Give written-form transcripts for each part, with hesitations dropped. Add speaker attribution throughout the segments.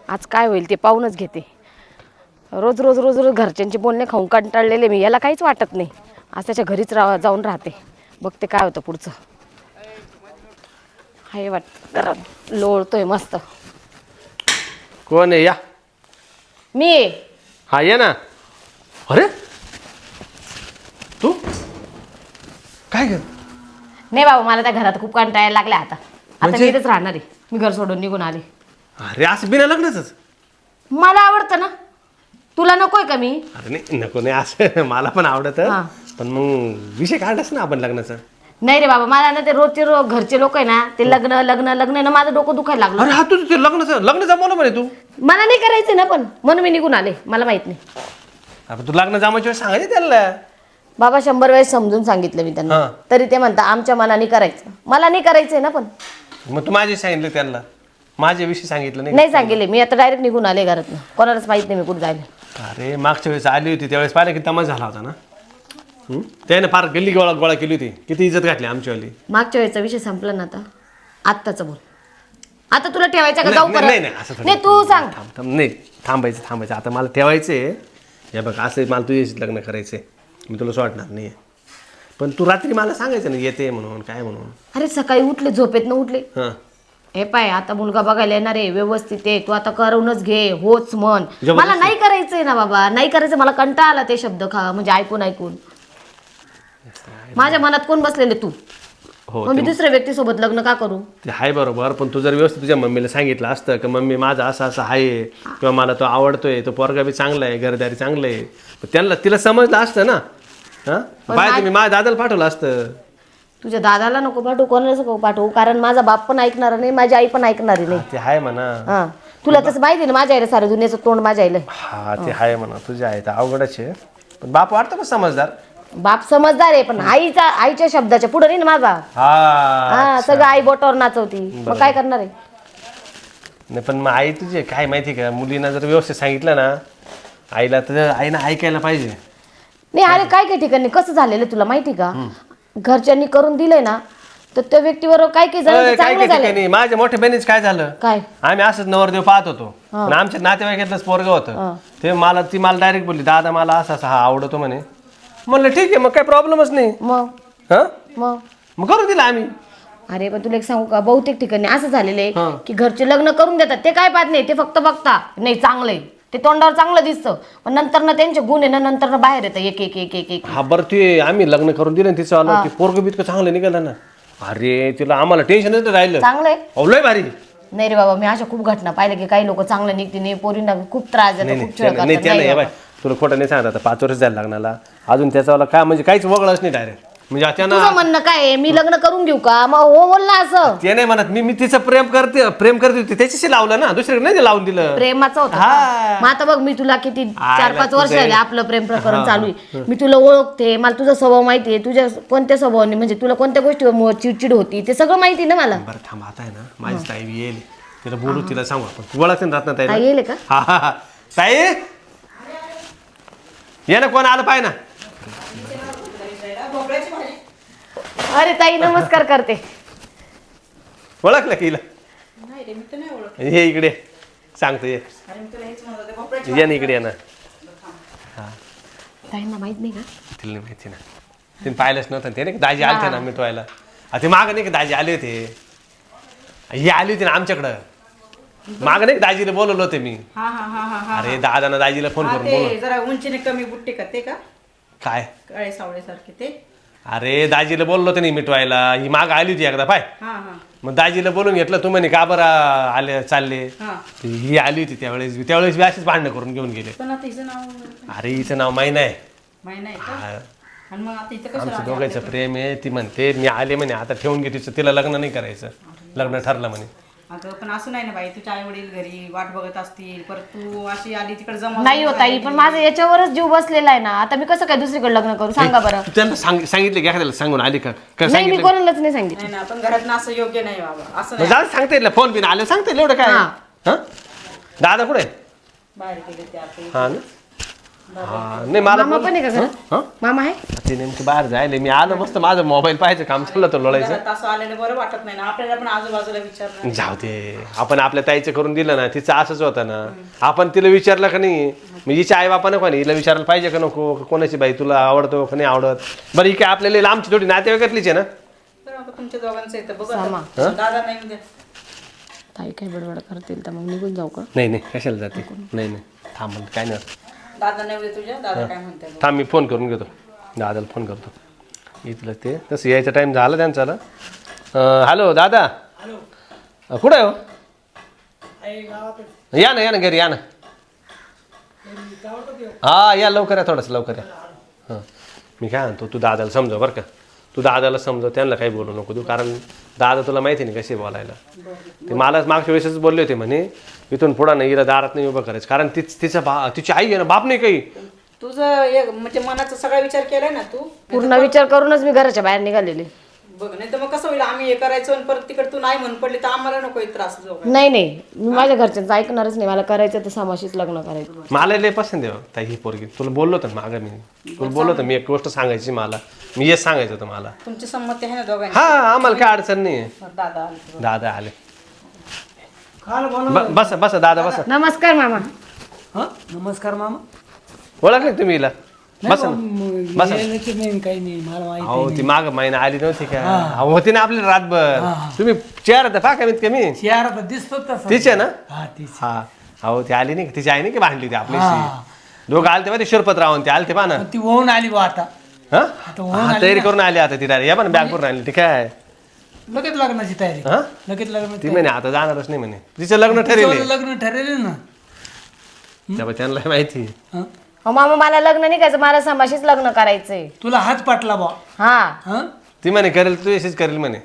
Speaker 1: आज काय होईल ते पाहूनच घेते. रोज रोज रोज रोज घरच्यांचे बोलणे खाऊन कंटाळलेले मी. याला काहीच वाटत नाही. आज त्याच्या घरीच जाऊन राहते. बघते काय होतं पुढचं. हाय वाटत लोळतोय मस्त.
Speaker 2: कोण आहे? या.
Speaker 1: मी आहे.
Speaker 2: हा ये ना. अरे तू काय कर?
Speaker 1: नाही बाबा, मला त्या घरात खूप कंटाळायला लागल्या आता. आता
Speaker 2: म्हणजे?
Speaker 1: मी इथेच राहणार आहे. मी घर सोडून निघून आले.
Speaker 2: अरे असं बिना लग्नाचंच?
Speaker 1: मला आवडतं ना. तुला नकोय का मी?
Speaker 2: अरे नाही नको नाही असं मला पण आवडत.
Speaker 1: हा.
Speaker 2: पण मग विषय काढलास ना आपण लग्नाचा.
Speaker 1: नाही रे बाबा, मला ना ते रोजचे घरचे लोक आहे ना, ते लग्न लग्न लग्न ना, माझं डोकं दुखायला लागलं.
Speaker 2: अरे हा तुझं ते लग्न जमवलं म्हणे तू.
Speaker 1: मला नाही करायचं ना, पण म्हणून मी निघून आले. मला माहित नाही.
Speaker 2: अरे तू लग्न जमायच्या वेळेस सांगायचं त्याला.
Speaker 1: बाबा 100 वेळेस समजून सांगितलं मी त्यांना.
Speaker 2: हा.
Speaker 1: तरी ते म्हणता आमच्या मनाने करायचं. मला नाही करायचंय ना. पण
Speaker 2: मग तू माझे सांगितलं त्यांना, माझ्याविषयी सांगितलं नाही?
Speaker 1: नाही सांगितले मी. आता डायरेक्ट निघून आले घरातनं. कोणालाच माहित नाही मी कुठे जायला.
Speaker 2: अरे मागच्या वेळेस आली होती त्यावेळेस पाहिलं की तमाशा झाला होता ना. त्याने फार गल्ली गोळा केली होती. किती इज्जत घातली आमच्यावाली.
Speaker 1: मागच्या वेळेचा विषय संपला ना. आता आत्ताचं बोल. आता तुला ठेवायचं का? जाऊ
Speaker 2: नाही नाही असं
Speaker 1: नाही तू सांग.
Speaker 2: नाही थांबायचं आता मला ठेवायचंय. हे बघ असं मला तुझ्याशी लग्न करायचंय. मी तुला सोडणार नाही. पण तू रात्री मला सांगायचं ना येते म्हणून काय म्हणून.
Speaker 1: अरे सकाळी उठले, झोपेत न उठले.
Speaker 2: हां
Speaker 1: हे पाय आता मुलगा बघायला येणार आहे, व्यवस्थित आहे. तू आता करूनच घे. होच म्हण. मला नाही करायचंय ना बाबा. नाही करायचं. मला कंटाळा आला ते शब्द म्हणजे ऐकून. माझ्या मनात कोण बसलेले? तू.
Speaker 2: हो
Speaker 1: मग मी दुसऱ्या व्यक्तीसोबत लग्न का करू?
Speaker 2: ते आहे बरोबर. पण तू जर व्यवस्थित तुझ्या मम्मीला सांगितलं असतं की मम्मी माझं असं असं आहे किंवा मला तो आवडतोय, तो पोरगा बी चांगला आहे, घरदारी चांगलं आहे, त्यांना तिला समजलं असतं ना. हां बाय तुम्ही माझ्या दादाला पाठवलं असतं.
Speaker 1: तुझ्या दादाला नको पाठवू, कोणालाच नको पाठवू. कारण माझा बाप पण ऐकणार नाही, माझी आई पण ऐकणार नाही.
Speaker 2: ते आहे म्हणा.
Speaker 1: हा तुला तसं माहिती ना, माझ्या आईला सारं दुनियाचं तोंड माझ्या आईला.
Speaker 2: हा ते आहे म्हणा. तुझ्या आहे तर अवघडच आहे. पण बाप वाटतं का समजदार?
Speaker 1: बाप समजदार आहे, पण आईच्या शब्दाच्या पुढे नाही ना माझा. हा सगळं आई बोटावर नाचवती. मग काय करणार आहे?
Speaker 2: नाही पण मग आई तुझी काय माहिती का, मुलींना जर व्यवस्थित सांगितलं ना आईला, तर आईनं ऐकायला पाहिजे.
Speaker 1: नाही अरे काय काय ठिकाणी कसं झालेलं तुला माहिती का? घरच्यांनी करून दिलंय ना, तर त्या व्यक्तीवर काय काय झालं चांगलं झालं.
Speaker 2: माझ्या मोठ्या बहिणीच काय झालं,
Speaker 1: काय
Speaker 2: आम्ही असंच नवरदेव पाहत होतो. पण आमच्या नातेवाईकातलंच पोरगं होतं. ती मला डायरेक्ट बोलली, दादा मला असं हा आवडतो म्हणे. म्हणलं ठीक आहे, मग काही प्रॉब्लेमच नाही. मग करून दिलं आम्ही.
Speaker 1: अरे पण तुला एक सांगू का, बहुतेक ठिकाणी असं झालेलं आहे की घरचे लग्न करून देतात. ते काय पाहत नाही, ते फक्त बघता नाही चांगलंय, ते तोंडावर चांगलं दिसतं, पण नंतर ना त्यांचे गुण आहे ना नंतर ना बाहेर येतं एक एक एक एक एक.
Speaker 2: हा बरं ते आम्ही लग्न करून दिलं तिचं आलं की पोरगं बी इतकं चांगलं निघालं ना. अरे तिला आम्हाला टेन्शनच राहिलं.
Speaker 1: चांगलंय
Speaker 2: लय भारी.
Speaker 1: नाही रे बाबा, मी अशा खूप घटना पाहिल्या की काही लोक चांगलं निघते नाही, पोरींना खूप त्रास देतात, खूप छळ करतात.
Speaker 2: नाही तुला खोटं नाही सांगत. आता 5 वर्ष जायला लग्नाला, अजून त्याचा काय म्हणजे काहीच वगळच नाही डायरेक्ट. म्हणजे
Speaker 1: तुझं म्हणणं काय आहे, मी लग्न करून घेऊ का? मग हो बोल ना असं.
Speaker 2: ते नाही म्हणत मी तिचं प्रेम करते होती, त्याच्याशी लावलं ना, दुसरीकडे नाही लावून दिलं.
Speaker 1: प्रेमाचं होतं का? मग आता बघ, मी तुला किती 4-5 वर्ष झाले आपलं प्रेम प्रकरण चालू आहे. मी तुला ओळखते, मला तुझा स्वभाव माहिती आहे, तुझ्या कोणत्या स्वभावाने म्हणजे तुला कोणत्या गोष्टीवर चिडचिड होती ते सगळं माहिती ना मला.
Speaker 2: बरं थांब, आता आहे ना माझी ताई येईल, तिला बोलू, तिला सांगू आपण. तू ओळखते ना रत्ना ताई?
Speaker 1: येईल का?
Speaker 2: हा ताई ये ना, कोण आलं पाय ना.
Speaker 1: अरे ताई नमस्कार करते.
Speaker 2: ओळखलं की हिला? हे इकडे सांगतो, ये ना इकडे, ये ना.
Speaker 1: ताईंना माहित नाही का?
Speaker 2: तिला नाही माहिती ना, तिने पाहिलंच नव्हतं. ते नाही दाजी आलते ना मिटवायला. ते मागं नाही का दाजी आले होते, ही आली होती ना आमच्याकडं. मागं नाही दाजीला बोलवलं होते मी. अरे दादानं दाजीला फोन करून बोलवलं.
Speaker 3: जरा उंचीने कमी बुट्टे का ते का
Speaker 2: काय
Speaker 3: काळे सावळे सारखे ते.
Speaker 2: अरे दाजीला बोललो होतं नाही मिटवायला. ही माग आली होती एकदा पाय. मग दाजीला बोलून घेतलं. तू म्हणे का बरं आले चालले. ही आली होती त्यावेळेस बी अशीच भांडणं करून घेऊन गेले. अरे हिचं नाव माहीत आहे. आमचं दोघांचं प्रेम आहे. ती म्हणते मी आले म्हणे आता ठेवून घे तिचं, तिला लग्न नाही करायचं, लग्न ठरलं म्हणे.
Speaker 3: अगं पण असं नाही ना बाई, तुझे आई वडील घरी वाट बघत असतील, परत तू अशी आली तिकडे जमा
Speaker 1: नाही होत आई, पण माझं याच्यावरच जीव बसलेला आहे ना. आता मी कसं काय दुसरीकडे लग्न करू सांगा बरं.
Speaker 2: त्यांना सांगितलं की एखाद्याला सांगून आली का?
Speaker 1: नाही मी कोणालाच नाही सांगितलं.
Speaker 3: नाही पण घरात असं योग्य नाही बाबा, असं नाही.
Speaker 2: जाऊ सांगता येईल, फोन बिन आले सांगता येईल एवढं काय. हा दादा कुठे?
Speaker 3: बाहेर गेले ते आता.
Speaker 2: हा ना हा नाही मला
Speaker 1: मामा पण आहे का घरात?
Speaker 2: हं?
Speaker 1: मामा आहे?
Speaker 2: ते नेमकी बाहेर जायले मी आलो मस्त माझं मोबाईल पाहायचं काम चाललं होतं लोळायचं
Speaker 3: घरात असं आलेलं बरं वाटत नाही ना आपल्याला पण आजूबाजूला विचारलं
Speaker 2: जाऊ दे आपण आपल्या ताईचं करून दिलं ना तिचं असंच होतं ना आपण तिला विचारलं का नाही मग हिच्या आई बापानं कोणी हिला विचारायला पाहिजे का नको कोणाची बाई तुला आवडतो का नाही आवडत बरं ही काय आपल्याला लांबची थोडी नातेवाईकातलीच आहे ना
Speaker 3: बरं आता तुमच्या दोघांचं येतं बघ आता. दादा नाही उद्या
Speaker 1: ताई काय बडबड करतील तर मग निघून जाऊ का?
Speaker 2: नाही नाही कशाला जाते नाही नाही थांब म्हणते काय नाही होत.
Speaker 3: दादा नाही उद्या तुझ्या दादा काय म्हणते बघ.
Speaker 2: थांब मी फोन करून घेतो दादाला फोन करतो इथलं ते तसं यायचा टाईम झाला त्यांचा हॅलो दादा कुठं आहे हो या ना घरी या ना हा या लवकर या थोडंसं लवकर या हां मी काय म्हणतो तू दादाला समजव बरं का तू दादाला समजव त्यांना काही बोलू नको तू कारण दादा तुला माहिती नाही कशी बोलायला ते मला मागच्या वेळेसच बोलले होते म्हणे इथून पुढं नाही हिला दारात नाही उभं करायचं कारण तिचा तिची आई आहे ना बाप नाही काही
Speaker 3: तुझं एक म्हणजे मनाचा सगळा विचार केलाय ना तू
Speaker 1: पूर्ण विचार करूनच मी घराच्या बाहेर निघालेले.
Speaker 3: बघ नाही तर मग कसं होईल आम्ही हे करायचो आणि परत तिकडे तू नाही म्हणून पडली तर आम्हाला नको एक त्रास जो
Speaker 1: नाही मी माझ्या घरच्यांचं ऐकणारच नाही. मला करायचं तर सामाशीच लग्न करायचं.
Speaker 2: मला लय पसंत आहे ताई ही पोरगी तुला बोललो होतं ना मागं मी तुला बोललो होतं मी एक गोष्ट सांगायची मला मी हेच सांगायचं होतं मला
Speaker 3: तुमची संमती आहे ना दोघांची
Speaker 2: हा आम्हाला काय अडचण नाही आहे
Speaker 3: मग दादा आले.
Speaker 2: दादा आले बस बस दादा बस
Speaker 1: नमस्कार मामा.
Speaker 4: नमस्कार मामा.
Speaker 2: ओळखले तुम्ही हिला बस ना बस
Speaker 4: नाही काही नाही मला माहिती
Speaker 2: अहो ती माग महिना आली नव्हती का अहो, होती ना आपली रातभर तुम्ही चेहरा तर पहा कमीत कमी
Speaker 4: चेहरा तर दिसतो तसा.
Speaker 2: तीच आहे ना
Speaker 4: हा तीच.
Speaker 2: हा अहो ती आली नाही का? तिची आई नाही की भांडली होती आपल्याशी दोघं आलते बा ते शिरपतराव ते आलते पहा ना
Speaker 4: ती होऊन आली बा आता.
Speaker 2: हा
Speaker 4: आता होऊन
Speaker 2: हा, तयारी करून आली आता ती या पण बॅग करून आली ठीक आहे
Speaker 4: लगेच लग्नाची तयारी.
Speaker 2: हा
Speaker 4: लगेच लग्न
Speaker 2: ती म्हणे आता जाणारच नाही म्हणे तिचं लग्न ठरेल
Speaker 4: लग्न ठरले ना.
Speaker 2: त्यामुळे त्यांना माहिती
Speaker 4: हं?
Speaker 1: हो मामा मला लग्न नाही करायचं मला सामाशीच लग्न करायचंय.
Speaker 4: तुला हात पाटला बा.
Speaker 1: हा
Speaker 4: हं?
Speaker 2: ती म्हणे करेल तू अशीच करेल म्हणे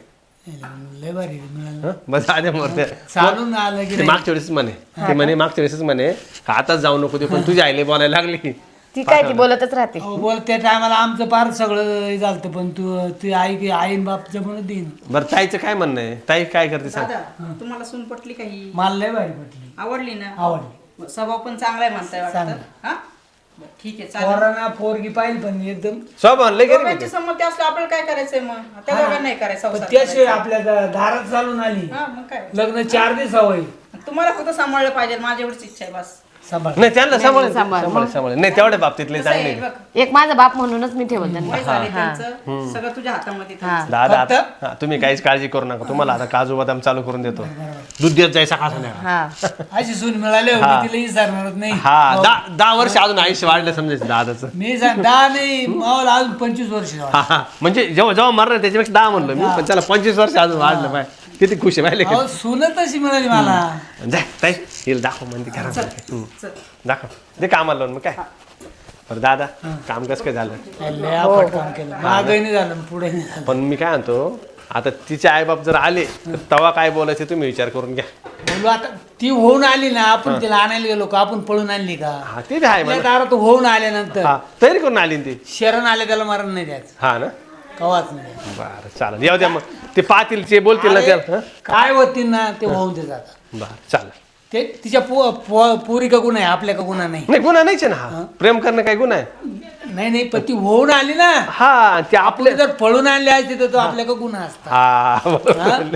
Speaker 4: लय भारी मिळालं.
Speaker 2: हं? बस आधी मोरते
Speaker 4: चालून आलं की
Speaker 2: ते मागच्या वेळेस म्हणे ते म्हणे मागच्या वेळेस म्हणे का आताच जाऊ नको ते पण तुझी आईले बोलायला लागली
Speaker 1: ती काय ती बोलतच राहते.
Speaker 4: अहो, बोल त्या टायमाला आमचं फार सगळं झालं पण तू आईन बापच्या म्हणून देईन.
Speaker 2: बरं ताईचं काय म्हणणं आहे ताई काय करते सांग
Speaker 3: दादा तुम्हाला सून पटली काही
Speaker 4: मला लय भारी पटली.
Speaker 3: आवडली ना
Speaker 4: आवडली.
Speaker 3: स्वभाव पण चांगला आहे म्हणताय वाटतं हा बरं, ठीक आहे चालेल
Speaker 4: पोरांना पोरगी पाहिली पण एकदम.
Speaker 2: सब आणले गेले
Speaker 3: दोघांची संमती असली आपल्याला काय करायचंय मग त्या दोघांना नाही करायचं
Speaker 4: पण
Speaker 3: संसार
Speaker 4: त्याशिवाय
Speaker 3: करायचा.
Speaker 4: आपल्या दारात चालून आली.
Speaker 3: हा मग काय
Speaker 4: लग्न 4 दिवस हवंय.
Speaker 3: तुम्हाला फक्त सांभाळलं पाहिजे माझी एवढीच इच्छा आहे बस
Speaker 4: सांभाळ.
Speaker 2: नाही त्यांना सांभाळ नाही तेवढ्या बाबतीतले
Speaker 3: कसं आहे,
Speaker 2: चांगले
Speaker 3: बघ,
Speaker 1: एक माझा बाप म्हणूनच मी ठेवत त्यांना.
Speaker 3: वय झाले त्यांचं सगळं तुझ्या हातामध्ये त्यांचं.
Speaker 2: दादा हा, तुम्ही काहीच काळजी करू नका तुम्हाला आता काजू बदाम चालू करून देतो दूध देत जाय सकाळ संध्याकाळ
Speaker 1: हा
Speaker 4: अशी सून मिळाली होती तिला विचारणारच नाही.
Speaker 2: हा 10 वर्ष अजून आयुष्य वाढलं समजायचं दादाचं
Speaker 4: मी सांग 10 नाही मावाला अजून 25 वर्ष झाली.
Speaker 2: हा हा म्हणजे जेव्हा जेव्हा मरणार त्याच्यापेक्षा 10 म्हणलं मी पण त्याला 25 वर्ष अजून वाढलं पाय किती खुश आहे पाहिले
Speaker 4: अहो सून तशी मिळाली मला.
Speaker 2: जाय ताई हिला दाखव म्हणते घरात दाखव दे कामाला लावून मग काय बरं दादा काम कसं काय झालं
Speaker 4: लय आपट काम केलं मागही नाही झालं पुढे नाही झालं.
Speaker 2: पण मी काय म्हणतो आता तिचे आईबाप जर आले तर तेव्हा काय बोलायचे तुम्ही विचार करून घ्या
Speaker 4: बोलू आता ती होऊन आली ना आपण तिला आणायला गेलो का आपण पळून आणली का.
Speaker 2: हा ते बी आहे
Speaker 4: आपल्या
Speaker 2: मला
Speaker 4: दारात होऊन आल्यानंतर
Speaker 2: हा तयारी करून आली ना ती
Speaker 4: शरण आले त्याला मरण नाही द्यायचं
Speaker 2: हा ना
Speaker 4: कवाच नाही.
Speaker 2: बरं चालेल येऊ द्या मग ते पाहतील ते बोलतील ना त्याला हं?
Speaker 4: काय होती ना ते होऊन ते जातात.
Speaker 2: बरं चालेल
Speaker 4: ते तिच्या पोरी का गुन्हा आहे आपल्या का गुन्हा नाही.
Speaker 2: नाही गुन्हा नाहीच आहे ना हा प्रेम करणं काय गुन्हा आहे
Speaker 4: नाही पण ती होऊन आली ना
Speaker 2: हा ते आपले
Speaker 4: आपले जर पळून आणले असते तर तो आपल्या का गुन्हा असता.
Speaker 2: हा बरोबर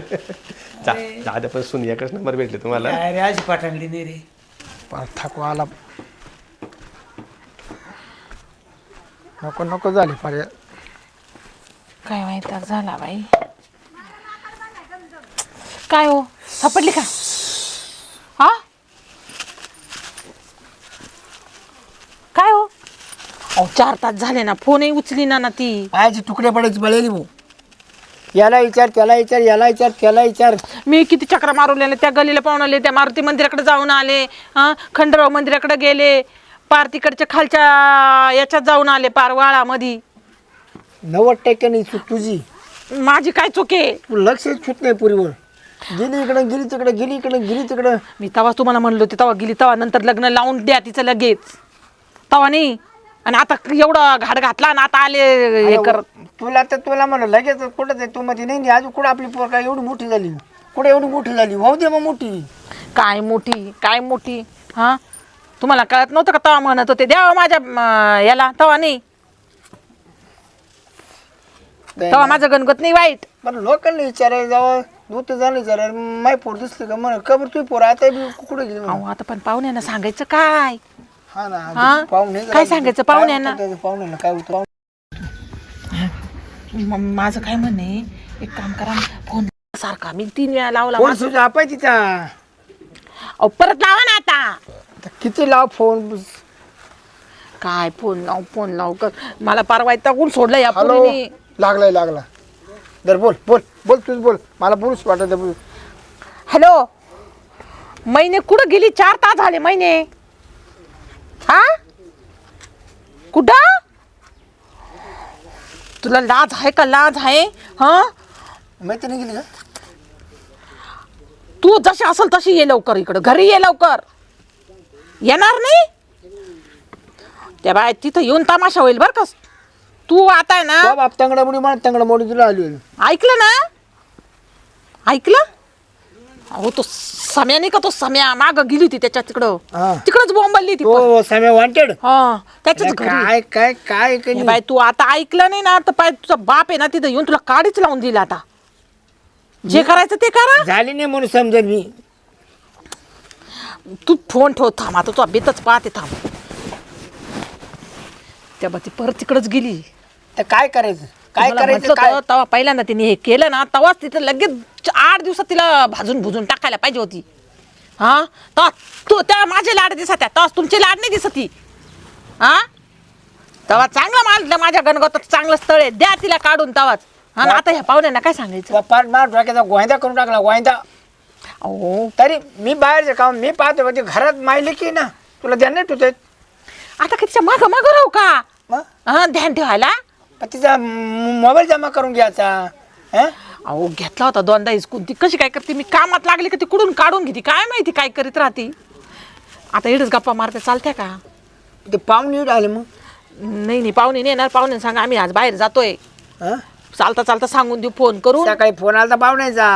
Speaker 2: दादा पण सुन एकच नंबर भेटले तुम्हाला
Speaker 4: काय रे अशी पाठवली नाही रे.
Speaker 5: थकवा आला नको नको झाली पर्याय
Speaker 6: काय माहिती झाला बाई. काय हो सापडली का हा काय हो अहो 4 तास झाले ना फोनही उचली ना ती.
Speaker 5: पायाचे तुकडे पडायची बळेली भाऊ याला विचार त्याला विचार याला विचार त्याला विचार.
Speaker 6: मी किती चक्र मारवलेले त्या गलीला पाहून आले त्या मारुती मंदिराकडे जाऊन आले हा खंडराव मंदिराकडे गेले पार तिकडच्या खालच्या याच्यात जाऊन आले पार वाळामध्ये.
Speaker 5: 90% नाही चूक तुझी
Speaker 6: माझी काय चुके
Speaker 5: तू लक्ष छूत नाही पुरीवर गेली इकडं गेली तिकडं गेली इकडं गेली तिकडं.
Speaker 6: मी तवा तुम्हाला म्हणलो होते तवा गेली तवा नंतर लग्न लावून द्या तिचं लगेच तवा नाही आणि आता एवढं घाट घातला ना आता आले हे कर.
Speaker 5: तुला म्हणलं लगेच कुठं ते तू मध्ये नाही अजून कुठं आपली पोर काय एवढी मोठी झाली कुठं एवढी मोठी झाली भाऊ दे मग मोठी
Speaker 6: काय मोठी हा तुम्हाला कळत नव्हतं का तवा म्हणत होते द्यावा माझ्या याला तवा नाही तवा माझं गणगत नाही वाईट.
Speaker 5: बरं लोकांना विचारायला जावं दूध झालं विचारायला माय पोर दिसली का म्हणा कबर तू पोर आता बी कुठे गेली
Speaker 6: अहो आता पण पाहुण्यांना सांगायचं काय
Speaker 5: हा ना
Speaker 6: हा?
Speaker 5: पाहुणे
Speaker 6: काय सांगायचं पाहुण्यांना?
Speaker 5: पाहुण्याला काय होतं
Speaker 6: माझं काय म्हणे एक काम करा फोन सारखा मी 3 वेळा लावला
Speaker 5: फोन सुद्धा आपाय तिचा
Speaker 6: अहो परत लावा ना आता
Speaker 5: किती लाव फोन
Speaker 6: काय फोन लाव कर मला परवा टाकून सोडलं या
Speaker 5: हॅलो
Speaker 6: पोरीने.
Speaker 5: लागला दर बोल तूच बोल मला पुरुष वाटत बोल.
Speaker 6: हॅलो महिने कुठं गेली 4 तास झाले महिने हा कुठं तुला लाज आहे का लाज आहे हा
Speaker 5: मैत्रिणी गेली का
Speaker 6: तू जशी असेल तशी ये लवकर इकडं घरी ये लवकर येणार नाही त्या बाय तिथं येऊन तमाशा होईल बर का तू आता आहे ना
Speaker 5: बाप तंगडा मुडी मला तंगडा मोडी तुला आली
Speaker 6: ऐकलं ना ऐकलं अहो तो सम्या नाही का तो सम्या माग गेली होती त्याच्या तिकडं
Speaker 5: हा.
Speaker 6: तिकडच बोंबलली ती
Speaker 5: हो साम्या वॉन्टेड
Speaker 6: हा त्याच्याच घरी
Speaker 5: काय
Speaker 6: हे बाय तू आता ऐकलं नाही ना तर पाय तुझा बाप आहे ना तिथं येऊन तुला काडीच लावून दिला आता जे करायचं ते करा
Speaker 5: झाली नाही म्हणून समजेल मी
Speaker 6: तू फोन ठेव थांब आता तू बेतच पाहते थांब त्या बा ती परत तिकडच गेली
Speaker 5: तर काय करायचं काय
Speaker 6: मला
Speaker 5: करायचं
Speaker 6: म्हटलं
Speaker 5: काय
Speaker 6: होतं, तेव्हा पहिल्यांदा तिने हे केलं ना तेव्हाच तिथं लगेच 8 दिवसात तिला भाजून भुजून टाकायला पाहिजे होती हा तेव्हा तू तेव्हा माझे लाड दिसत तेव्हा तुमचे लाड नाही दिसत हा तेव्हा चांगला माल माझ्या गणगोतात चांगलं स्थळ आहे द्या तिला काढून तेव्हाच हा ना आता ह्या पाहुण्यांना काय सांगायचं
Speaker 5: पाठ मार डोक्याचा गोंदा करून टाकला गोंदा
Speaker 6: अहो
Speaker 5: तरी मी बाहेरचं काम मी पाहतो ते घरात मायले की ना तुला ध्यान नाही तुझं
Speaker 6: आता कितीच्या माग राहू का
Speaker 5: मग
Speaker 6: हा ध्यान ठेवायला
Speaker 5: तिचा मोबाईल जमा करून घ्यायचा हं?
Speaker 6: अहो घेतला होता 2दा हिसकून ती कशी काय करते मी कामात लागली का ती कुठून काढून घेते काय माहिती काय करीत राहते आता इडच गप्पा मारते चालत्या का
Speaker 5: ते पाहुणे आले मग
Speaker 6: नाही पाहुणे नाही येणार पाहुणे सांगा आम्ही आज बाहेर जातोय
Speaker 5: हं?
Speaker 6: चालता सांगून देऊ फोन करून
Speaker 5: सकाळी फोन आला तर पाहुण्याचा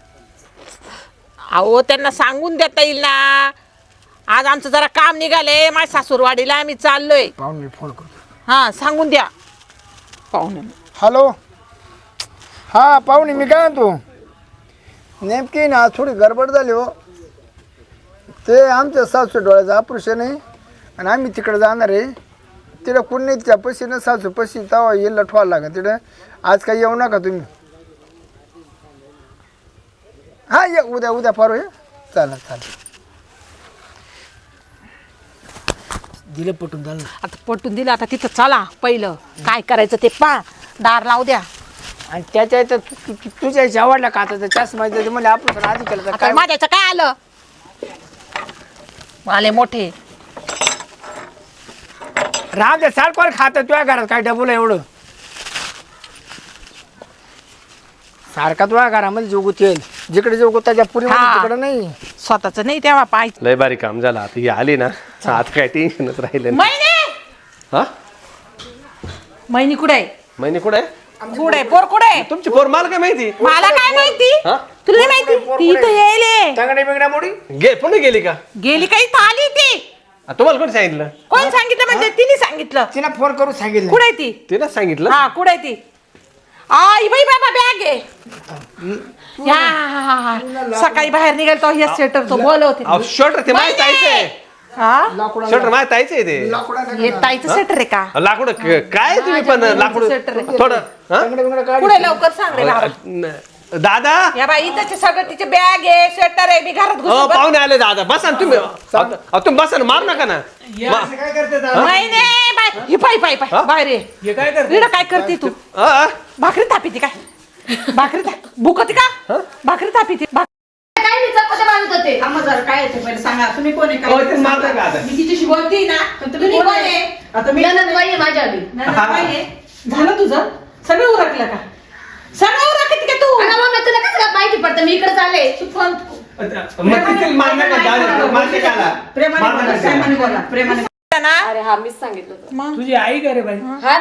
Speaker 6: अहो त्यांना सांगून देता येईल ना आज आमचं जरा काम निघाले माझ्या सासूरवाडीला आम्ही चाललोय
Speaker 5: पाहुणे फोन करतो
Speaker 6: हा सांगून द्या पाहुणे
Speaker 5: हॅलो हा पाहुणे मी काय म्हणतो नेमकी ना थोडी गडबड झाली हो ते आमच्या सासू डोळ्याचं ऑपरेशन आहे आणि आम्ही तिकडे जाणार आहे तिकडं कोण नाही तिच्या पशी ना सासू पशी तेव्हा येईल लठवायला लागेल तिकडं आज काही येऊ नका तुम्ही हा ये उद्या परवा ये चालेल दिलं पटून झालं
Speaker 6: आता पटून दिलं आता तिथं चला पहिलं काय करायचं ते दार लावू द्या
Speaker 5: आणि त्याच्या इथं तुझ्या आवडला का आता चष्मा म्हणजे आपण आधी केलं तर
Speaker 6: आता
Speaker 5: काय
Speaker 6: माझ्याचं काय आलं आले मोठे
Speaker 5: राम दे सारखं खात तुझ्या घरात काय डबल एवढं सारखा तुझ्या घरामध्ये जोगूत येईल जिकडे जोगूत त्याच्या पुरी
Speaker 6: हा.
Speaker 5: तिकडे नाही
Speaker 6: स्वतःच नाही तेव्हा पाय
Speaker 2: लय बारी काम झालं आता ही आली ना आता काय टेन्शनच राहिलं नाही.
Speaker 6: महिने
Speaker 2: हा
Speaker 6: महिनी कुठे आहे
Speaker 2: महिने कुठे आहे
Speaker 6: कुठे पोर कुठे
Speaker 2: तुमची पोर मला काय माहिती
Speaker 6: मला काय माहिती
Speaker 2: हा?
Speaker 6: तुला नाही माहिती ती इथं येईल
Speaker 5: तंगडी बिंगड्या मोडी
Speaker 2: पुन्हा गेली का
Speaker 6: गेली काही आली ती
Speaker 2: तुम्हाला कोणी सांगितलं
Speaker 6: कोण सांगितलं म्हणजे तिने सांगितलं
Speaker 5: तिला फोन करून सांगितलं
Speaker 6: कुठे आहे ती
Speaker 2: तिला सांगितलं
Speaker 6: हा कुठे आहे ती आई बाई बाबा बॅग आहे या सकाळी बाहेर निघाल तो या स्वेटर तो बोलवते
Speaker 2: अहो शर्ट ते माहित आहे
Speaker 6: हा
Speaker 2: शर्ट माहित आहे ते
Speaker 6: हे ताईचं स्वेटर आहे का
Speaker 2: लाकूड काय तुम्ही पण लाकूड
Speaker 6: स्वेटर आहे.
Speaker 2: थोडं हा?
Speaker 5: तंगडी बिंगड्या काढ
Speaker 6: पुढे लवकर सांग रे बाबा
Speaker 2: दादा
Speaker 6: या बाई त्याचे सगळं तिचे बॅग आहे स्वेटर आहे मी घरात
Speaker 2: हो
Speaker 6: घुसून
Speaker 2: पाहुणे आले दादा बसा ना तुम्ही अहो, तुम्ही बसा ना मार नका ना
Speaker 5: काय करते
Speaker 6: नाही नाही बाय ही पाय पाय पाय बाहेर ये
Speaker 5: हे काय करते
Speaker 6: इकडं काय करते तू भाकरी थापीती काय भाकरी भुकती का भाकरी थापीती
Speaker 1: काय नाही चपात्या बांधत होते
Speaker 3: थांबा जरा काय येते पहिले सांगा तुम्ही कोण आहे
Speaker 2: हो, ते
Speaker 3: काय
Speaker 2: मारता का आता?
Speaker 3: मी तिच्याशी बोलते ना पण तुम्ही कोण आहे आता मी
Speaker 1: नंदनबाई आहे माझ्या आधी
Speaker 3: काय आहे झालं तुझं सगळं उरकलं का सगळं उरकत का तू
Speaker 1: अगं मम्मी तुला कसं काय माहिती पडतं मी इकडे चालले
Speaker 3: तू फोन
Speaker 2: मग तिथे मार नका, दादा, मार नका आला.
Speaker 3: प्रेमाने
Speaker 2: मार
Speaker 3: बोला
Speaker 2: नका.
Speaker 3: प्रेमाने बोला प्रेमाने
Speaker 6: ना
Speaker 1: अरे हा मीच सांगितलं होतं.
Speaker 6: मग
Speaker 4: तुझी आई का रे बाई
Speaker 1: हा ना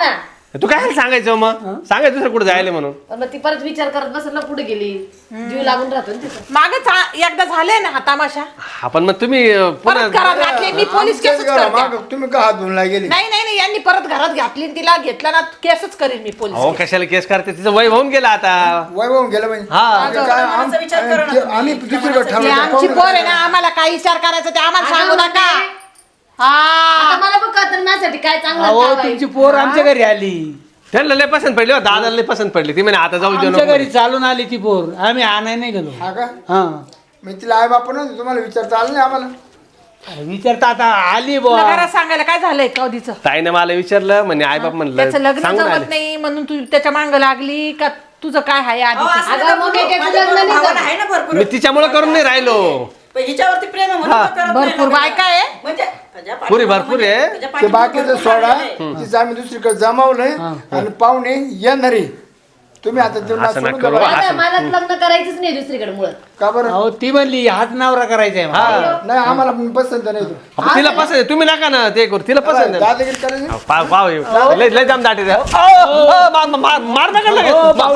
Speaker 2: तू काय सांगायचं मग सांगायचं दुसरं कुठे जायला म्हणून.
Speaker 1: पण मग ती परत विचार करत बसेल ना, पुढे गेली जीव लागून राहतो ना तिथं.
Speaker 6: मागच एकदा झाले ना हा तमाशा,
Speaker 2: आपण मग तुम्ही पुन्हा
Speaker 6: परत घरात घातली. मी पोलीस केसच करते.
Speaker 5: तुम्ही का हात धुवून गेली?
Speaker 6: नाही नाही नाही, यांनी परत घरात घातली आणि तिला घेतला ना, केसच करीन मी पोलीस.
Speaker 2: अहो कशाला केस करते, तिचं वय होऊन गेलं आता.
Speaker 5: वैभव गेलं म्हणजे
Speaker 2: हा
Speaker 3: मनाचा विचार करा ना तुम्ही.
Speaker 5: आम्ही दुसरीकडे
Speaker 6: ती
Speaker 5: ठेवलं
Speaker 6: आमची पोर आहे ना, आम्हाला काय विचार करायचा ते आम्हाला सांगू
Speaker 1: अगं,
Speaker 6: नका.
Speaker 1: आता
Speaker 6: हा
Speaker 1: मला पण कळतं माझ्यासाठी काय चांगलं
Speaker 4: अहो
Speaker 1: काय वाईट.
Speaker 4: तुमची पोर आमच्या घरी आली,
Speaker 2: त्यांना लय पसंत पडली, दादाला लय पसंत पडली. ती म्हणे आता जाऊ देऊ
Speaker 4: आमच्या
Speaker 2: नको.
Speaker 4: घरी चालून आली ती पोर, आम्ही आणाय नाही गेलो.
Speaker 5: हा का
Speaker 4: हा
Speaker 5: मी तिला आई बापा नव्हतं तुम्हाला विचारता आलं नाही आम्हाला.
Speaker 4: विचारता आता आली
Speaker 6: तुला
Speaker 4: बुवा.
Speaker 6: घरात सांगायला काय झालंय कधीच?
Speaker 2: ताईने मला विचारलं म्हणे आई बाप
Speaker 6: त्याचं
Speaker 2: म्हणलं
Speaker 6: लग्न
Speaker 2: सांगून
Speaker 6: जमत
Speaker 2: आले.
Speaker 6: नाही म्हणून तू त्याच्या मांग लागली का? तुझं काय आहे
Speaker 3: अहो,
Speaker 6: आधी?
Speaker 3: असं
Speaker 1: अगं,
Speaker 3: नका
Speaker 1: मग
Speaker 3: बोलू.
Speaker 1: मी त्याचं
Speaker 3: माझ्या
Speaker 1: लग्न नाही
Speaker 3: भावाला
Speaker 1: झालं.
Speaker 3: आहे ना भरपूर.
Speaker 2: मी तिच्यामुळे करून नाही राहिलो.
Speaker 3: पण हिच्यावरती प्रेम आहे म्हणून तो करत नाही
Speaker 6: भरपूर
Speaker 3: ना.
Speaker 6: बायका आहे.
Speaker 3: म्हणजे त्याच्या
Speaker 2: पुरी
Speaker 3: पाठीमागं
Speaker 2: भरपूर आहे.
Speaker 3: त्याच्या
Speaker 5: ते
Speaker 3: पाठीमागं
Speaker 5: बाकीचं
Speaker 3: भरपूर
Speaker 5: सोडा
Speaker 3: लागलेलं आहे.
Speaker 5: तिचं आम्ही दुसरीकडे जमावलंय आणि पाहुणे येणारे तुम्ही आता त्यांना
Speaker 2: असं नका
Speaker 5: सोडून
Speaker 2: करू.
Speaker 5: द्या.
Speaker 1: दादा, मला लग्न करायचंच नाही दुसरीकडे मुळात.
Speaker 5: का बरं
Speaker 4: अहो ती म्हणली हात नवरा करायचा आहे मला.
Speaker 5: नाही आम्हाला पण पसंत नाही तो.
Speaker 2: आपण तिला पसंत आहे, तुम्ही नका ना ते करू, तिला पसंत आहे.
Speaker 5: दादागिरी करायची
Speaker 2: पाव पाव लय लय दम दाटी द्या. मार नका लगेच.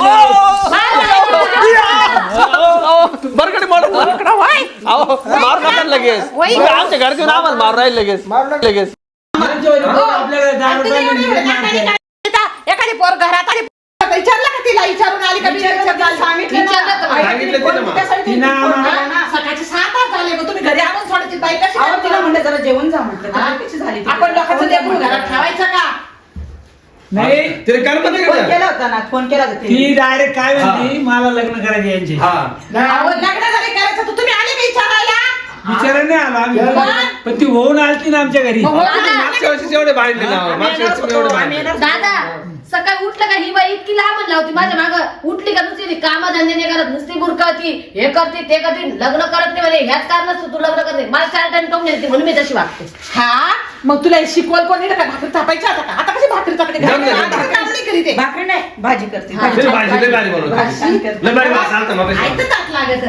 Speaker 2: बरकडे मार मार नका लगेच. तुम्ही आमच्या घरचे येऊन आम्हाला मार राहील लगेच लगेच.
Speaker 6: एखादी पोर घरात आली, विचारलं का तिला? विचारून आली का?
Speaker 3: सांगितलं ना.
Speaker 1: विचारलं तर मला.
Speaker 2: सांगितलं तिनं मग.
Speaker 3: त्यासाठी
Speaker 4: तिनं
Speaker 3: फोन केला
Speaker 4: आम्हाला-
Speaker 3: ना.
Speaker 6: सकाळचे 7 झाले, मग तुम्ही घरी आणून सोडायची बाई कशी
Speaker 3: अहो,
Speaker 6: करते?
Speaker 3: तिला म्हणलं जरा जेवण जा म्हटलं. तर कशी झाली ती?
Speaker 6: आपण लोकांचं
Speaker 3: फोन
Speaker 6: लेकरू
Speaker 3: केला
Speaker 6: घरात ठेवायचं का?
Speaker 4: नाही
Speaker 2: तिला काय
Speaker 3: फोन केला होता ना, फोन केला होता तिने.
Speaker 4: ती डायरेक्ट काय म्हणती, मला लग्न करायचे यांचे.
Speaker 6: अहो, लग्न जरी करायचं तर तुम्ही आले का विचारायला?
Speaker 4: विचारा नाही आला आम्ही, पण ती होऊन आलती ना आमच्या घरी.
Speaker 6: मग
Speaker 2: मागच्या वर्षी एवढे बांधले ना
Speaker 3: आम्ही
Speaker 2: मागच्या
Speaker 3: येणार
Speaker 2: वर्षी एवढे
Speaker 3: होतो, आम्ही
Speaker 2: बांधले.
Speaker 3: येणार होतो.
Speaker 1: दादा, सकाळी उठलं का ही बाई इतकी लांब लावती माझ्या मागं. उठली का नुसती कामा धंदे नाही करत, नुसती बुरकावती, हे करते ते करते, लग्न करत नाही म्हणे. ह्याच कारणास्तव तू लग्न करते. मला 4 टाइम टोम नेते म्हणून मी तशी वागते.
Speaker 6: हा, मग तुला हे शिकवल कोणी का? भाकरी थापायची आता का? आता कशी भाकरी थापते?
Speaker 2: जमलं, जमलं.
Speaker 6: आता काम नाही करीत आहे.
Speaker 3: भाकरी नाही, भाजी करते.
Speaker 2: तिला भाजी लय भारी बनवते.
Speaker 3: भाजी करते.
Speaker 2: लय भारी बनवते. चालतं मग कशी.
Speaker 6: ऐकतं ताट लागत.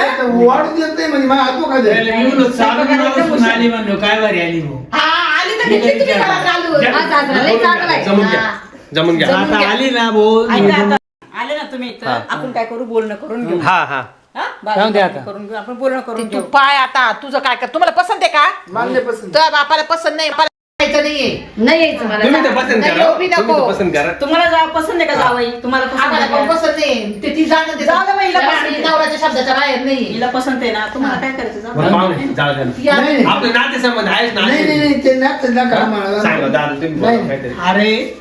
Speaker 5: वाढू देत नाही म्हणजे मला हातो का
Speaker 4: त्याला
Speaker 5: दे.
Speaker 4: येऊन चालून आली म्हणलो, काय भारी आली भाऊ.
Speaker 6: हा, आली तर घेतली तुम्ही घरात घालून.
Speaker 1: हा, सासरा लय चांगला आहे.
Speaker 2: जमून घ्या
Speaker 1: हा.
Speaker 2: जमून घ्या.
Speaker 1: जमून
Speaker 4: आता
Speaker 1: घ्या.
Speaker 4: आली ना भाऊ.
Speaker 3: ऐका आता, आले ना तुम्ही इथं, आपण काय करू, बोलणं करून घेऊ.
Speaker 2: हा हा
Speaker 3: हा?
Speaker 4: जाऊन दे आता.
Speaker 3: करून घेऊ, आपण बोलणं करून
Speaker 6: तू
Speaker 3: घेऊ.
Speaker 6: पाय आता तुझं काय कर? तुम्हाला पसंत आहे का?
Speaker 5: मान्य पसंत
Speaker 6: तुझ्या बापाला पसंत नाही, मला यायचं नाहीये.
Speaker 1: नाही यायचं मला.
Speaker 2: तुम्ही तर पसंत
Speaker 6: नाही,
Speaker 2: करा.
Speaker 6: एवढी नको.
Speaker 2: तुम्ही तर पसंत करा.
Speaker 3: तुम्हाला पसंत आहे का जावई? तुम्हाला पसंत
Speaker 6: आम्हाला
Speaker 3: आहे
Speaker 6: पण
Speaker 3: का?
Speaker 6: पसंत नाही. ते ती जाणं दे.
Speaker 3: जाऊ दे बाई, हिला
Speaker 6: त्या
Speaker 3: पसंत आहे.
Speaker 6: नवऱ्याच्या शब्दाच्या बाहेर नाही.
Speaker 3: हिला पसंत आहे ना, तुम्हाला काय करायचं? जा.
Speaker 2: बरं, पाहुणे, जाऊ द्या ना.
Speaker 6: ती आता-
Speaker 5: नाही,
Speaker 2: आपले नाते संबंध आहेच ना.
Speaker 5: नाही नाही ते नाच नका मला.
Speaker 2: सांगा दादा तुम्ही बोला
Speaker 5: नाही.
Speaker 2: काहीतरी.
Speaker 4: अरे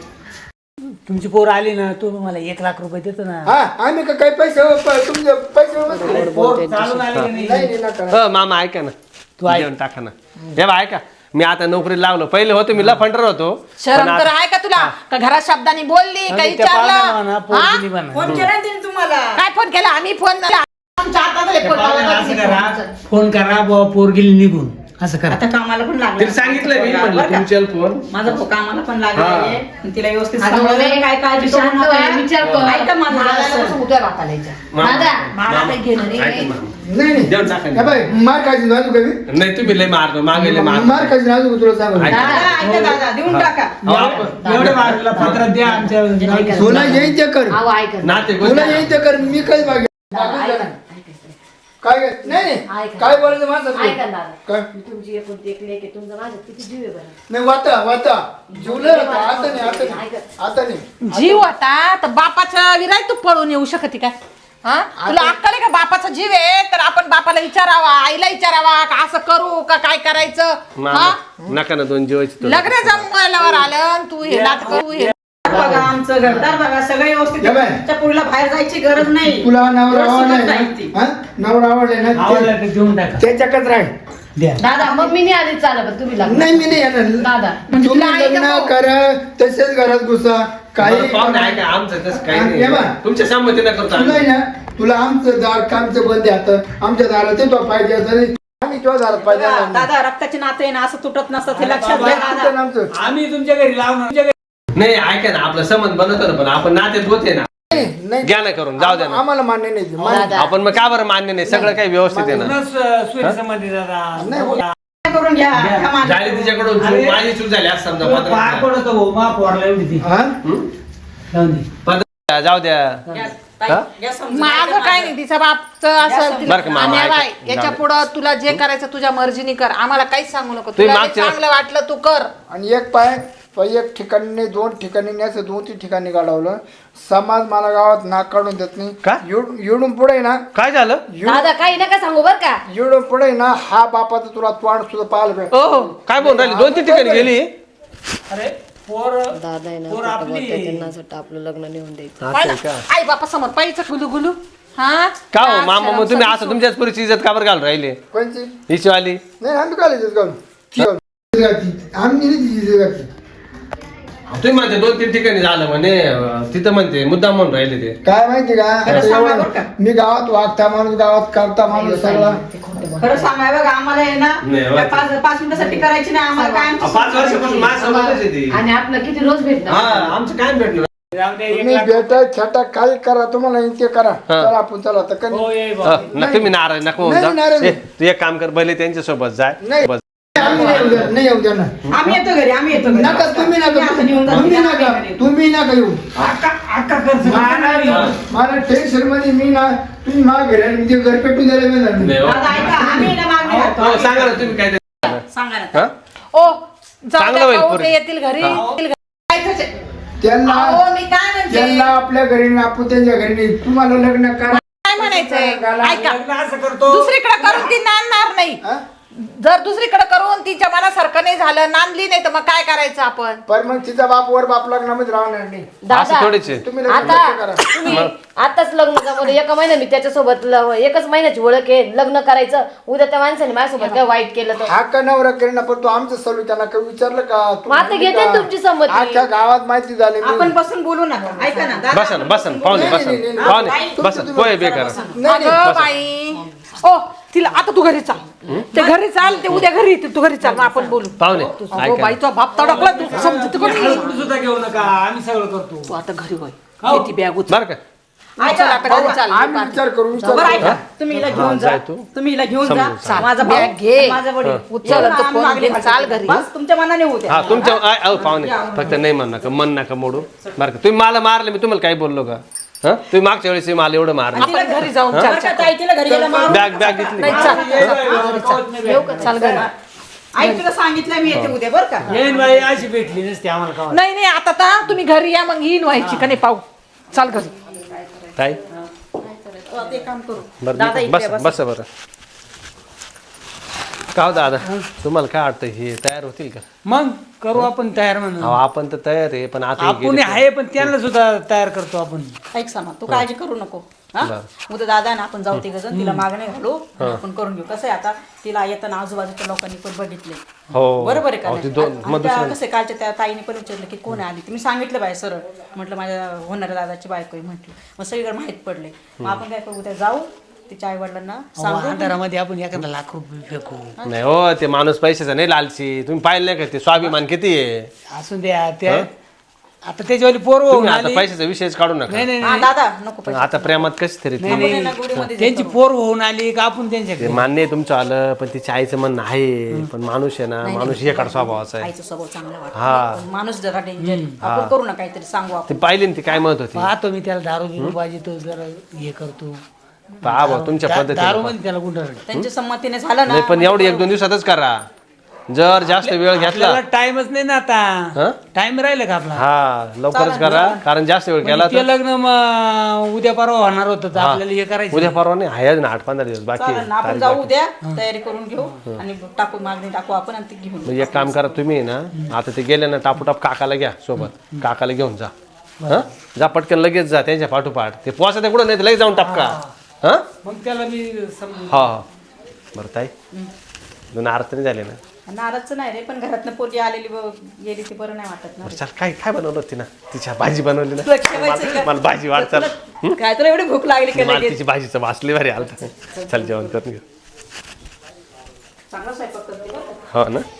Speaker 4: तुमची पोर आली ना, तू मला 1 लाख रुपये देतो ना.
Speaker 5: हा आम्ही का काही पैसे तुमचे पैसे
Speaker 4: पोर चालून आली का
Speaker 5: नाही
Speaker 4: नाही?
Speaker 5: नाही नका.
Speaker 2: मामा ऐका ना
Speaker 4: तू ऐक.
Speaker 2: जेवण टाका ना. हे बा ऐका, मी आता नोकरीला लागलो. पहिले होतो मी लफंडर होतो.
Speaker 6: शरम
Speaker 2: पण
Speaker 6: तर
Speaker 2: आता-
Speaker 6: आहे का तुला? का घरात शब्दांनी बोलली का
Speaker 4: आणि त्या पाहुण्याला म्हणा,
Speaker 6: विचारलं?
Speaker 4: पोर
Speaker 6: हा?
Speaker 4: दिली म्हणा.
Speaker 3: फोन केला ना तिने तुम्हाला.
Speaker 6: काय फोन केला? आम्ही फोन 4 तास झाले
Speaker 4: त्या
Speaker 6: फोन
Speaker 4: पाहुण्याला
Speaker 6: लावला
Speaker 4: असं
Speaker 6: होता
Speaker 4: करा,
Speaker 6: तिने.
Speaker 4: फोन करा बुवा, पोर गेली निघून, असं करा.
Speaker 3: आता कामाला पण लागला.
Speaker 2: तिला सांगितलं मी म्हणलं
Speaker 3: बरं का?
Speaker 2: तुमच्या फोन.
Speaker 3: माझा भाऊ कामाला पण लागला
Speaker 2: हा.
Speaker 3: आहे. आणि तिला व्यवस्थित
Speaker 1: अगं,
Speaker 3: सांभाळून
Speaker 1: बाई,
Speaker 3: काय काळजी करू
Speaker 1: शांत
Speaker 3: नका.
Speaker 1: व्हा, विचार कर.
Speaker 3: ऐका माझं
Speaker 6: मला
Speaker 3: जरासं.
Speaker 6: कसं उद्या बापाला यायचं.
Speaker 2: मामा,
Speaker 1: दादा,
Speaker 6: मला
Speaker 2: मामा,
Speaker 6: काही घेणं नाही.
Speaker 2: ऐका मामा.
Speaker 5: नाही नाही
Speaker 2: जेवण टाका
Speaker 5: हे
Speaker 2: ना.
Speaker 5: बाई मार खायची नाजूक आहे.
Speaker 2: नाही तुम्ही लय मारतो मागे लय मारतो.
Speaker 5: मार खायची नाजूक तुला सांगू.
Speaker 2: ऐका.
Speaker 3: दादा, ऐका दादा, देऊन टाका.
Speaker 2: अहो, आपण-
Speaker 4: एवढे बाजूला पत्रात द्या आमच्या
Speaker 1: ऐका.
Speaker 5: तुला येईन ते कर.
Speaker 1: अहो, ऐका.
Speaker 2: नाते
Speaker 5: तुला
Speaker 2: गोष्टी-
Speaker 5: येईन ते कर. मी काही बागे
Speaker 1: दादा, ऐका.
Speaker 5: काय नाही नाही
Speaker 1: ऐका.
Speaker 5: काय बोलायचं माझं
Speaker 1: ऐका दादा.
Speaker 5: काय
Speaker 1: तुमची एकुलती एक लेक आहे. तुमचं माझ्यात किती जीव आहे बरं.
Speaker 5: नाही वाता जीवलं आता आता नाही आता नाही आता नाही.
Speaker 6: जीव होता तर बापाच्या विराय तू पळून येऊ शकते काय? हा? तुला अक्कल आहे का? बापाचा जीव आहे तर आपण बापाला विचारावा, आईला विचारावा का असं करू का काय करायचं?
Speaker 2: मामा,
Speaker 6: हा?
Speaker 2: नका ना 2 जीवाची तो.
Speaker 6: लग्न जमवायलावर आलं आणि तू हे नाटक करू हे.
Speaker 3: बघा आमचं घरदार बघा सगळं व्यवस्थित
Speaker 5: या बाई.
Speaker 3: त्या पुरीला बाहेर जायची गरज नाही.
Speaker 5: तुला नवरा
Speaker 3: एवढं
Speaker 5: आवडलाय
Speaker 3: सुखद
Speaker 5: ना
Speaker 3: राहील ती.
Speaker 5: हा? नवरा आवडलाय ना
Speaker 4: आवडला तर देऊन टाका,
Speaker 5: त्याच्याकच राह.
Speaker 4: द्या.
Speaker 1: दादा, मग मी नाही आली चालत पण तुम्ही लागला.
Speaker 5: नाही मी नाही येणार.
Speaker 1: दादा,
Speaker 5: तुम्ही
Speaker 6: तुला आई
Speaker 5: लग्न
Speaker 6: नको.
Speaker 5: करा तसेच घरात घुसा काही
Speaker 2: बरं, पाहुणे ऐका, आमचं तसं काही
Speaker 5: आणि हे बघ.
Speaker 2: नाही. तुमच्या संमतीनं करतो
Speaker 5: तुला आहे
Speaker 2: आम्ही.
Speaker 5: ना तुला आमचं दार कामचं बंद आहे आता आमच्या दारात ते तो पाहिजे असं आम्ही तुझ्या दारात पाहिजे
Speaker 3: बघा,
Speaker 5: नाही.
Speaker 3: दादा रक्ताचे नाते आहे ना असं तुटत नसतं हे लक्षात
Speaker 5: बाबा,
Speaker 3: घ्या
Speaker 5: कुठं
Speaker 3: दादा.
Speaker 5: आमचं
Speaker 4: आम्ही तुमच्या घरी लावणार, तुमच्या घरी
Speaker 2: नाही ऐका ना, आपलं संबंध बनवतो ना, पण आपण नात्यात होते ना.
Speaker 5: नाही
Speaker 2: घ्या ना करून, जाऊ द्या ना.
Speaker 5: आम्हाला मान्य नाही ते. मान्य-
Speaker 1: दादा.
Speaker 2: आपण मग का बरं मान्य नाही? सगळं काही व्यवस्थित आहे ना.
Speaker 4: सूर्य समाधी दादा.
Speaker 5: नाही,
Speaker 3: करून घ्या ह्या माणसाला.
Speaker 2: झाली तिच्याकडून चूक, माझी चूक झाली आज समजा
Speaker 4: पाय पडतो भाऊ मा पोरला एवढी ती
Speaker 5: हा
Speaker 4: जाऊन दे.
Speaker 2: पदर जाऊ द्या
Speaker 3: घ्या, ताई,
Speaker 2: हा?
Speaker 3: घ्या समजून.
Speaker 6: माझं काय नाही तिचा बापचं असं
Speaker 2: बरं का, मामा,
Speaker 6: आणि बाई,
Speaker 2: ऐका.
Speaker 6: याच्या पुढं तुला जे करायचं तुझ्या मर्जीने कर आम्हाला काहीच सांगू नको
Speaker 2: तुम्ही
Speaker 6: तुला जे
Speaker 2: मागच्या-
Speaker 6: चांगलं वाटलं तू कर
Speaker 5: आणि एक पाय एक ठिकाणी नाही, 2 ठिकाणी नाही, असं 2-3 ठिकाणी गाडवलं. समाज मला गावात नाक काढून देत नाही.
Speaker 2: का?
Speaker 5: येऊन पुढे ना,
Speaker 2: काय झालं
Speaker 1: दादा काही नका सांगू बर का.
Speaker 5: येऊन पुढे ना, हा बापाचं तुला तोंड सुद्धा पाहायला भेट.
Speaker 2: हो काय बोल राहिली 2-3 ठिकाणी गेली
Speaker 4: अरे पोर
Speaker 1: दादा आहे ना
Speaker 4: पोर
Speaker 1: खोटं
Speaker 4: आपली.
Speaker 1: बोलतोय, त्यांना असं वाटतं आपलं लग्न नेऊन द्यायचं.
Speaker 2: असं आहे का
Speaker 6: आई बापा समोर पाहिजे गुलू गुलू हा
Speaker 2: का हो मामा मग तुम्ही असं तुमच्याच पुरीची इज्जत का बरं घालून राहिले
Speaker 5: कोणची?
Speaker 2: हिची वाली
Speaker 5: नाही आम्ही काय लिहित घालू आम्ही नाही तिची घातली.
Speaker 2: तुम्ही म्हणते 2-3 ठिकाणी झालं म्हणे तिथं म्हणते मुद्दाम म्हणून राहिले ते
Speaker 5: काय माहिती का आता
Speaker 3: सांगा
Speaker 5: एवढं-
Speaker 3: बरं का?
Speaker 5: मी गावात वागता माणूस, गावात करता माणूस सगळा.
Speaker 3: खरं सांगाय बघा आम्हाला आहे ना
Speaker 2: नाही,
Speaker 3: त्या 5 मिनिटासाठी करायची नाही आम्हाला काय आमची
Speaker 2: 5 वर्षापासून माझ्यासोबतच आहे ती
Speaker 1: आणि आपलं किती रोज भेटणार.
Speaker 2: हा आमचं काय भेटणार
Speaker 4: जाऊन दे, एक
Speaker 5: तुम्ही
Speaker 4: लाख.
Speaker 5: भेटा छटा काही करा, तुम्हाला ते करा. चला आपण चला तर कधी
Speaker 4: हो ये
Speaker 2: हा,
Speaker 4: भाऊ.
Speaker 2: ना तुम्ही नाराज नका होऊन
Speaker 5: नाही,
Speaker 2: जा
Speaker 5: नाराज
Speaker 2: ए, तू एक काम कर भले त्यांच्या सोबत जाय
Speaker 5: नाही.
Speaker 2: बस.
Speaker 5: आम्ही नाही येऊ देणार.
Speaker 3: आम्ही येतो घरी आम्ही येतो घरी.
Speaker 5: नका तुम्ही नका
Speaker 3: आता घेऊन जा.
Speaker 5: तुम्ही नका येऊ.
Speaker 4: अक्का खर्च मारणार येऊ.
Speaker 5: मला टेन्शन मध्ये मी ना, तुम्ही मला घरी आले, मी ते घर पेटून द्यायला मिळणार नाही.
Speaker 2: नाही, हो.
Speaker 3: दादा ऐका आम्ही ना मागणी घालतो.
Speaker 2: हो, सांगा ना तुम्ही काय ते.
Speaker 3: सांगा ना
Speaker 2: हा?
Speaker 6: ओ जाऊ
Speaker 2: चांगलं
Speaker 6: द्या,
Speaker 2: होईल
Speaker 6: पाहू
Speaker 2: पोरी.
Speaker 6: दे, येतील घरी येतील घरी. काय त्याचे-
Speaker 5: त्यांना
Speaker 6: अहो, मी काय म्हणते
Speaker 5: त्यांना आपल्या घरी नाही, आपण त्यांच्या घरी नाही. तुम्हाला लग्न करा.
Speaker 6: काय म्हणायचंय ऐका
Speaker 4: लग्न असं करतो
Speaker 6: दुसरीकडे करून ती नांदणार नाही
Speaker 5: हा?
Speaker 6: जर दुसरीकडे करून तिच्या मनासारखं नाही झालं नांदली नाही तर मग काय करायचं आपण
Speaker 5: पण मग तिचा बाप वर बाप लग्नामध्ये राहणार नाही.
Speaker 2: असं
Speaker 1: दादा
Speaker 2: थोडीच आहे.
Speaker 5: तुम्ही लग्न
Speaker 1: आता
Speaker 5: कसं करा.
Speaker 1: तुम्ही आताच लग्न जमवलं, एका महिन्यात मी त्याच्यासोबत एकच महिन्याची ओळख आहे, लग्न करायचं. उद्या त्या माणसाने माझ्यासोबत काय वाईट केलं तर
Speaker 5: हा का नवरा करीना, पण तू आमचं सलू त्यांना काही विचारलं का? तू
Speaker 1: मग आता
Speaker 5: म्हणली
Speaker 1: घेते
Speaker 5: का?
Speaker 1: तुमची संमती.
Speaker 5: अख्ख्या गावात माहिती झाली. मी-
Speaker 3: आपण बसून बोलू नका ऐका ना दादा,
Speaker 2: बसा ना बसा ना पाहुणे बसा
Speaker 5: नाही, नाही,
Speaker 2: ना.
Speaker 5: नाही.
Speaker 2: पाहुणे बसा पोहे बेकार
Speaker 5: नाही, नाही.
Speaker 6: अगं बाई ओ तिला आता तू घरी चाल ते घरी चाल ते उद्या घरी येतील तू घरी चाल मग आपण बोलू
Speaker 2: पाहुणे
Speaker 6: अगो
Speaker 2: ऐका
Speaker 6: बाईचा बाप तडकला तू समजत कोणी
Speaker 4: हळूहळू सुद्धा घेऊ नका आम्ही सगळं करतो
Speaker 6: तू आता घरी होय
Speaker 4: हो.
Speaker 6: ती बॅग उचल
Speaker 2: बरं का
Speaker 6: चल आता घरी चाल
Speaker 5: आम्ही विचार करू
Speaker 3: बरं
Speaker 5: विचार
Speaker 3: ऐका तुम्ही हिला घेऊन जा
Speaker 2: जाय तू.
Speaker 3: तुम्ही हिला घेऊन
Speaker 2: समजून
Speaker 3: जा माझा भाऊ,
Speaker 6: बॅग घे.
Speaker 3: माझा वडील
Speaker 6: उचल
Speaker 3: येऊन
Speaker 6: आणि तो
Speaker 3: आम्ही
Speaker 6: फोन
Speaker 3: मागणी
Speaker 6: घे,
Speaker 3: घालतो.
Speaker 6: चाल घरी.
Speaker 3: बस तुमच्या मनाने होऊ द्या
Speaker 2: हा तुमच्या पाहुणे फक्त नाही म्हण नका मन नका मोडू बरं का तुम्ही मला मारले मी तुम्हाला काही बोललो का हा तुम्ही मागच्या वेळेस मला एवढं मारलं
Speaker 6: आपण घरी जाऊन
Speaker 3: बरं
Speaker 6: चर्चा
Speaker 3: का ताई, तिला घरी गेला मारू.
Speaker 2: बॅग घेतली
Speaker 6: नाही चाल घरी
Speaker 3: आई तुला सांगितलं मी येते उद्या बरं का
Speaker 4: येईन बाई अशी भेटली नसते आम्हाला का
Speaker 6: नाही नाही आता तर तुम्ही घरी या मग येईन व्हायची का नाही पाहू चाल घरी
Speaker 2: काय
Speaker 3: ते काम करू
Speaker 2: बरं
Speaker 3: दादा
Speaker 2: मी-
Speaker 3: इकडे
Speaker 2: बस बस बरं का हो दादा तुम्हाला काय वाटतं हे तयार होतील का
Speaker 4: मग करू आपण तयार म्हणून
Speaker 2: अहो, आपण तर तयार आहे पण आता हे
Speaker 4: आपण
Speaker 2: गेले
Speaker 4: आहे पण त्यांना सुद्धा तयार करतो आपण
Speaker 3: ऐक समा तू काळजी करू नको हा उद्या दादा ना आपण जाऊ तिघ जण तिला मागणे घालू आणि आपण करून घेऊ कसं आहे आता तिला येताना आजूबाजूच्या लोकांनी पण बघितले
Speaker 2: हो
Speaker 3: बरोबर आहे का
Speaker 2: अहो,
Speaker 3: नाही?
Speaker 2: ते दोन
Speaker 3: आणि
Speaker 2: मग
Speaker 3: त्या
Speaker 2: दुसरं
Speaker 3: कसं आहे, कालच्या त्या ताईने पण विचारलं की कोण आली ती मी सांगितलं बाय सरळ म्हटलं माझ्या होणाऱ्या दादाची बायको आहे म्हटलं मग सगळीकडे माहित पडले मग आपण काय करू उद्या जाऊ तिच्या आई वडिलांना सांगू
Speaker 4: अंधारामध्ये आपण एखादा लाख रुपये फेकू
Speaker 2: नाही हो ते माणूस पैशाचा नाही लालची तुम्ही पाहिलं नाही का ते स्वाभिमान किती आहे
Speaker 4: असून द्या त्या आता त्याच्यावाली पोर होऊन
Speaker 2: तुम्ही आता
Speaker 4: आली
Speaker 2: पैशाचा विषयच काढू नका
Speaker 4: नाही नाही
Speaker 3: हा दादा नको
Speaker 2: पण आता प्रेमात कशी तरी ती-
Speaker 3: आपण आहे ना गुढीमध्ये
Speaker 4: त्यांची पोर होऊन आली का आपण त्यांच्याकडे
Speaker 2: ते मान्य आहे तुमचं आलं पण तिच्या आईचं म्हणणं आहे पण माणूस आहे ना माणूस एकाड स्वभावाचा आहे
Speaker 3: आईचा स्वभाव चांगला
Speaker 2: हा.
Speaker 3: वाटतो पण माणूस जरा डेंजर आपण करू ना काहीतरी सांगू आपण
Speaker 2: ती पाहिली ना ती काय म्हणत होती
Speaker 4: पाहतो मी त्याला दारू बिरू पाहिजे तो जरा हे करतो
Speaker 2: पहा भाऊ तुमच्या
Speaker 4: दारू
Speaker 2: पद्धतीने
Speaker 4: मध्ये त्याला गुंडाळ
Speaker 3: त्यांच्या संमतीने झालं ना
Speaker 2: नाही पण एवढं 1-2 दिवसातच करा जर जास्त वेळ घेतला
Speaker 4: आपल्याला टाइमच नाही ना
Speaker 2: हा?
Speaker 4: आता टाइम राहिलं का आपला
Speaker 2: हा लवकरच करा कारण जास्त वेळ केला
Speaker 4: ते
Speaker 2: तर
Speaker 4: लग्न मग उद्या परवा होणार होतं तर आपल्याला हे करायचं
Speaker 2: उद्या परवा नाही आहे ना 8-15 दिवस बाकी
Speaker 3: चालेल
Speaker 2: आहे.
Speaker 3: ना आपण
Speaker 2: तारीख
Speaker 3: जाऊ
Speaker 2: बाकी.
Speaker 3: उद्या तयारी करून घेऊ आणि टाकू मागणी टाकू आपण आणि ती घेऊन
Speaker 2: मग एक काम करा तुम्ही ना आता ते गेले ना टापूटाप काकाला घ्या सोबत काकाला घेऊन जा हा जा पटकन लगेच जा त्यांच्या पाठोपाठ ते पोचा ते कुठं नाही तर लगेच जाऊन टापका हा
Speaker 4: मग त्याला मी समजून
Speaker 2: हा हा बरं ताई दोन आरत नाही झाले ना
Speaker 3: नाराजचं नाही रे पण घरातनं पोरगी आलेली गेली ती बरं नाही वाटत ना
Speaker 2: बरं, चल काय काय बनवलं होती ना तिच्या भाजी बनवली ना
Speaker 3: तुला ठेवायचं का?
Speaker 2: मला भाजी वाढ चल
Speaker 3: काय तुला एवढी भूक लागली का
Speaker 2: मला
Speaker 3: लगेच
Speaker 2: तिची भाजीचं वाचली भारी आलं चल जेवण करून घेऊ
Speaker 3: चांगला स्वयंपाक करते बरं का?
Speaker 2: हो ना